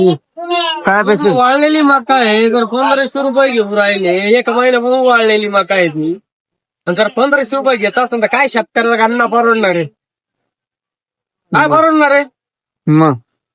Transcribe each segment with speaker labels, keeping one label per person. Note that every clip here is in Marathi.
Speaker 1: काय पैसे
Speaker 2: वाळलेली मका आहे. जर 1500 रुपये घेऊन राहिले, एक महिन्यापासून वाळलेली मका आहे ती. आणि जर 1500 रुपये घेत असेल तर काय शेतकऱ्याचा गाणं परवडणार आहे? काय परवडणार आहे?
Speaker 1: मग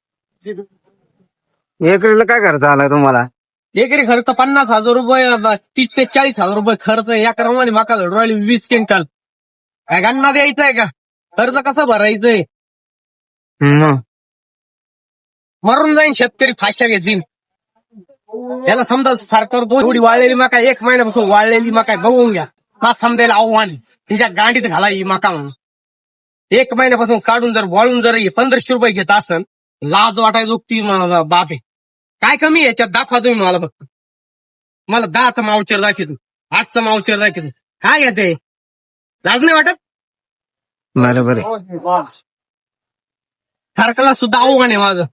Speaker 1: एकरीला काय खर्च आला तुम्हाला?
Speaker 2: एकरी खर्च 50,000 रुपये, 30 ते 40,000 रुपये खर्च आहे. या क्रमाने मका घडून राहिली 20 क्विंटल. काय गाणं द्यायचंय का? खर्च कसं भरायचंय?
Speaker 1: मग
Speaker 2: मरून जाईन शेतकरी, फाश्या घेतील. त्याला समजा सरकार एवढी वाळलेली मका, एक महिन्यापासून वाळलेली मका आहे, बघून घ्या. हा समजायला आव्हान आहे. तिच्या गांडीत घाला ही मका म्हणून. एक महिन्यापासून काढून जर वाळून जर 1500 रुपये घेत असन, लाज वाटायचो ती बाप आहे. काय कमी आहे याच्यात? दाखवा तुम्ही मला फक्त. मला 10चा मावचर दाखवतो, 8चा मावचर दाखवतो. काय घेते? लाज नाही वाटत?
Speaker 1: बरोबर आहे.
Speaker 2: सरकारला सुद्धा आव्हान आहे माझं.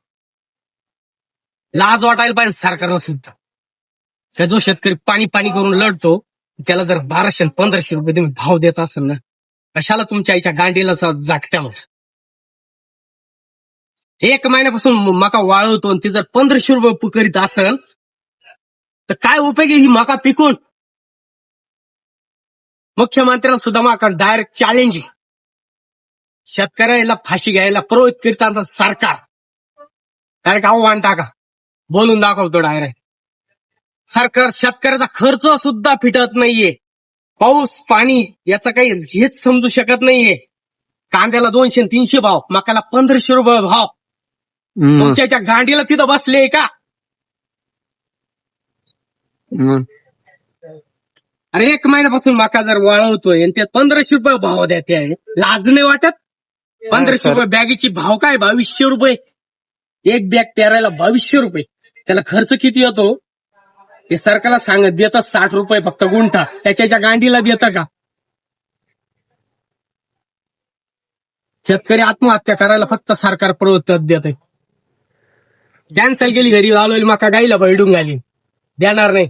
Speaker 2: लाज वाटायला पाहिजे सरकारला सुद्धा. त्या जो शेतकरी पाणी पाणी करून लढतो, त्याला जर 1200 1500 रुपये तुम्ही भाव देत असाल ना, कशाला तुमच्या आईच्या गांडीला जागत्या मग. एक महिन्यापासून मका वाळवतो आणि ती जर 1500 रुपये करीत असेल तर काय उपयोग आहे ही मका पिकून? मुख्यमंत्र्यांना सुद्धा मका डायरेक्ट चॅलेंज आहे. शेतकऱ्याला फाशी घ्यायला प्रवृत्त करताना सरकार डायरेक्ट आव्हान टाका, बोलून दाखवतो डायरेक्ट. सरकार शेतकऱ्याचा खर्च सुद्धा फिटत नाहीये. पाऊस पाणी याचा काही हेच समजू शकत नाहीये. कांद्याला 200-300 भाव, मकाला 1500 रुपये भाव. तुमच्या गांडीला तिथं बसले का? अरे एक महिन्यापासून मका जर वाळवतोय आणि त्यात 1500 रुपये भाव द्यायचे आहे, लाज नाही वाटत? 1500 रुपये बॅगीची भाव काय? 2200 रुपये. एक बॅग पेरायला 2200 रुपये. त्याला खर्च किती येतो ते सरकारला सांगत देतं 60 रुपये फक्त गुंठा. त्याच्या गांडीला देतं का? शेतकरी आत्महत्या करायला फक्त सरकार प्रवृत्त देत आहे. कॅन्सल केली, घरी लावलेली मका गाईला बैडून घाली, देणार नाही.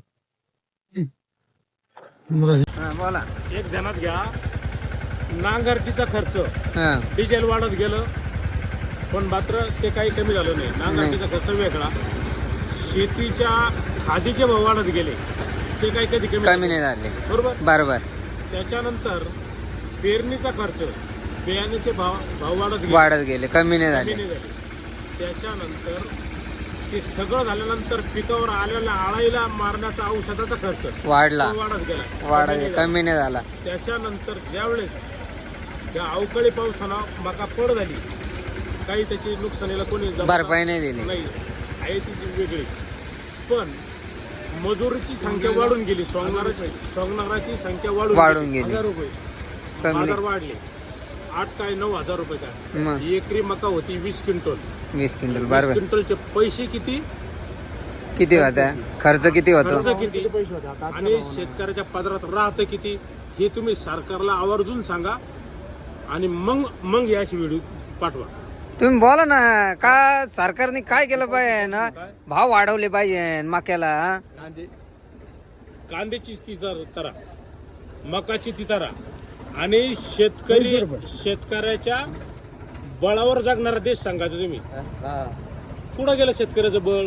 Speaker 1: बोला.
Speaker 3: एक ध्यानात घ्या, नांगरटीचा खर्च डिझेल वाढत गेलं, पण मात्र ते काही कमी झालं नाही. नांगरटीचा खर्च वेगळा. शेतीच्या खादीचे भाव वाढत गेले, ते काही कधी
Speaker 1: कमी नाही झाले. बरोबर.
Speaker 3: त्याच्यानंतर पेरणीचा खर्च, बियाण्याचे भाव
Speaker 1: वाढत गेले, कमी नाही झाले.
Speaker 3: त्याच्यानंतर ते सगळं झाल्यानंतर पिकावर आलेल्या आळाईला मारण्याचा औषधाचा खर्च
Speaker 1: वाढला,
Speaker 3: वाढत गेला,
Speaker 1: कमी नाही झाला.
Speaker 3: त्याच्यानंतर ज्यावेळेस त्या अवकाळी पावसानं मका पड झाली, काही त्याची नुकसानीला कोणी
Speaker 1: भरपाई नाही दिली,
Speaker 3: नाही आहे ती वेगळी. पण मजुरीची संख्या वाढून गेली, सोंगणाराची संख्या वाढून गेली. 1000 रुपये बाजार वाढले. 8 काय 9000 रुपये काय. एकरी मका होती 20 क्विंटल.
Speaker 1: 20 क्विंटल. बरोबर.
Speaker 3: क्विंटलचे पैसे किती
Speaker 1: होता? खर्च किती होतो?
Speaker 3: आणि शेतकऱ्याच्या पदरात राहतं किती, हे तुम्ही सरकारला आवर्जून सांगा. आणि मग या अशी व्हिडिओ पाठवा.
Speaker 1: तुम्ही बोला ना, का सरकारने काय केलं पाहिजे ना? भाव वाढवले पाहिजे मक्याला.
Speaker 3: कांद्याची ती तरा, मकाची ती तरा, आणि शेतकऱ्याच्या बळावर जगणारा देश सांगायचं तुम्ही. कुठं गेलं शेतकऱ्याचं बळ?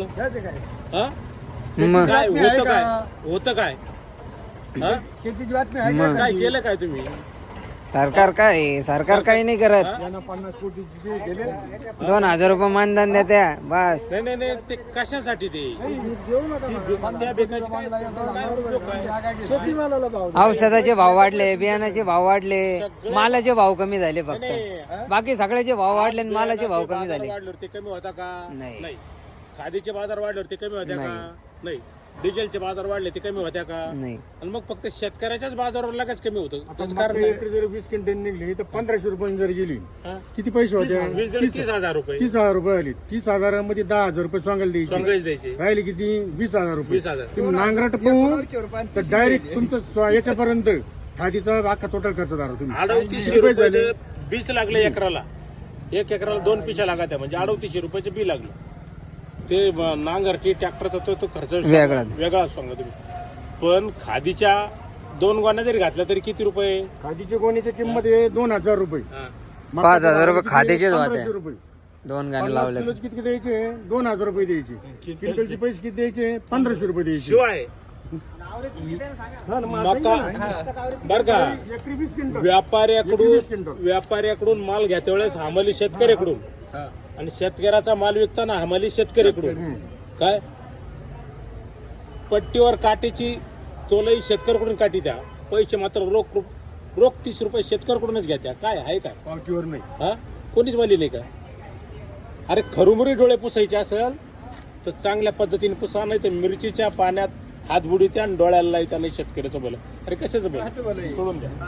Speaker 3: काय होतं काय काय केलं काय तुम्ही?
Speaker 1: सरकार काही नाही करत. 2000 रुपये मानधन देत्या बस.
Speaker 3: नाही ते कशासाठी? ते
Speaker 1: औषधाचे भाव वाढले, बियाणाचे भाव वाढले, मालाचे भाव कमी झाले. फक्त बाकी सगळ्याचे भाव वाढले आणि मालाचे भाव कमी झाले.
Speaker 3: ते कमी होता का?
Speaker 1: नाही.
Speaker 3: खादीचे बाजार वाढले ते कमी होत्या का? नाही. डिझेलचे बाजार वाढले ते कमी होत्या का?
Speaker 1: नाही.
Speaker 3: आणि मग फक्त शेतकऱ्याच्याच बाजारावर लगेच कमी होतं.
Speaker 4: जर 20 क्विंटल निघली तर 1500 रुपये जर गेली, किती पैसे होते?
Speaker 3: 30,000 रुपये.
Speaker 4: 30,000 रुपये आली. 30,000 10,000 रुपये सांगायला
Speaker 3: द्यायचे.
Speaker 4: राहिले किती? 20,000 रुपये.
Speaker 3: 20,000.
Speaker 4: तुम्ही नांगराट पाहून तर डायरेक्ट तुमचं याच्यापर्यंत खादीचा अख्खा टोटल खर्च झाला. तुम्ही
Speaker 3: 3800 रुपये बीज लागले एकराला. 1 एकराला 2 पिशा लागत्या, म्हणजे 3800 रुपयाचे बी लागले. ते नांगरटी ट्रॅक्टरचा तो खर्च वेगळाच सांगा तुम्ही. पण खादीच्या 2 गोण्या जरी घातल्या तरी किती रुपये?
Speaker 4: खादीच्या गोणीची किंमत आहे 2,000 रुपये.
Speaker 1: 5,000 रुपये खादीचेच होते. 2 गाणे
Speaker 4: 50
Speaker 1: लावले
Speaker 4: किलोचे किती द्यायचे 2000 रुपये द्यायचे क्विंटलचे पैसे किती द्यायचे 1500 रुपये द्यायचे
Speaker 3: शिवाय
Speaker 4: हा ना, मग
Speaker 3: मका बर का
Speaker 4: एकरी 20 क्विंटल एकरी 20 क्विंटल.
Speaker 3: व्यापाऱ्याकडून माल घेत्या वेळेस हमाली शेतकऱ्याकडून आणि शेतकऱ्याचा माल विकताना हमाली शेतकऱ्याकडून काय पट्टीवर काठीची तोलही शेतकऱ्याकडून काठी द्या पैसे मात्र रोख 30 रुपये शेतकऱ्याकडूनच घ्या काय आहे काय
Speaker 4: पावतीवर नाही
Speaker 3: हा कोणीच वालिले का अरे खरुमुरी डोळे पुसायचे असेल तर चांगल्या पद्धतीने पुसा नाही तर मिरचीच्या पाण्यात हात बुडीत्या आणि डोळ्याला लायत्या नाही शेतकऱ्याचं बोल अरे कशाचं बोल सोडून द्या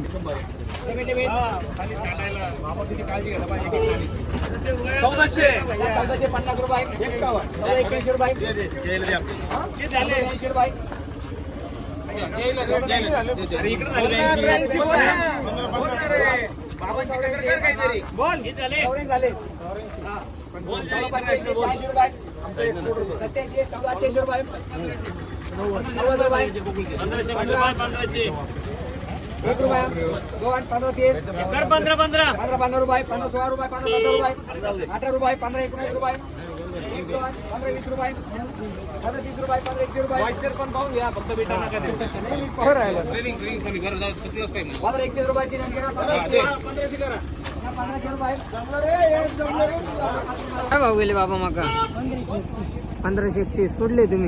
Speaker 1: काय भाव गेले बाबा मका 1531 कुठले तुम्ही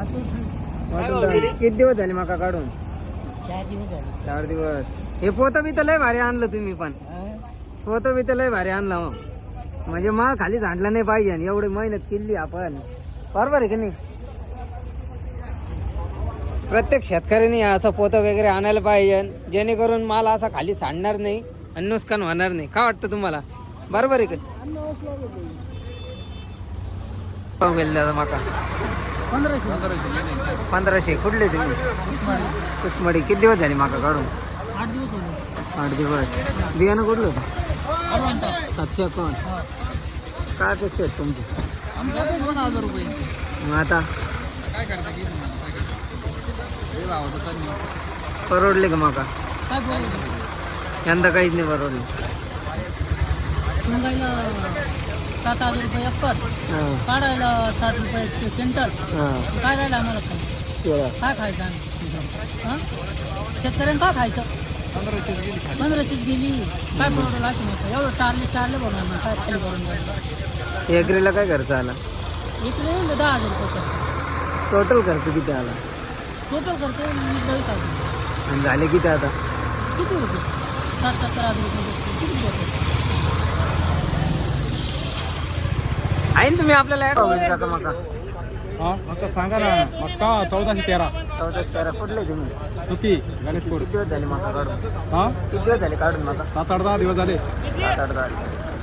Speaker 1: किती दिवस झाले मका काढून 4 दिवस हे पोतं बी तर लय भारी आणलं तुम्ही पण पोतं बी तर लय भारी आणलं मग म्हणजे माल खाली झाडला नाही पाहिजे आणि एवढी मेहनत केली आपण बरोबर आहे की नाही प्रत्येक शेतकऱ्याने असं पोतं वगैरे आणायला पाहिजे जेणेकरून माल असा खाली सांडणार नाही आणि नुकसान होणार नाही काय वाटतं तुम्हाला बरोबर आहे का भाव गेले दादा माका 1500 कुठले तुम्ही कुसमडी किती दिवस झाले माका काढून 8 दिवस बियाणं कुठलं होतं 700 कोण काय अपेक्षा आहेत तुमची
Speaker 5: 2000 रुपये
Speaker 1: मग आता
Speaker 5: काय करता की
Speaker 1: परवडले का माका
Speaker 5: काय बोलायचं
Speaker 1: यंदा काहीच नाही परवडले
Speaker 5: शिंगायला 7,000 रुपये एकर
Speaker 1: हां
Speaker 5: काढायला 60 रुपये क्विंटल
Speaker 1: हां
Speaker 5: काय राहिलं आम्हाला खायचं काय खायचं आम्ही हां शेतकऱ्यांना काय खायचं 1500 गेली काय परवडलं असं नाही एवढं चारले बनवून काय खाली करून
Speaker 1: एकरीला काय खर्च आला
Speaker 5: इकडे 10,000 रुपये खर्च
Speaker 1: टोटल खर्च किती आला
Speaker 5: टोटल खर्च 20,000
Speaker 1: आणि झाले किती आता
Speaker 5: किती रुपये 60-70,000 रुपये किती रुपये
Speaker 1: आहे ना तुम्ही आपल्याला ऍड होईल का मका
Speaker 2: आता सांगा ना मक्का 1413
Speaker 1: 14 कुठले तुम्ही
Speaker 2: सुकी गणेशपूर
Speaker 1: किती दिवस झाले मका काढून
Speaker 2: हा
Speaker 1: किती दिवस झाले काढून मका
Speaker 2: 7-8 दिवस झाले
Speaker 1: 7-8 दिवस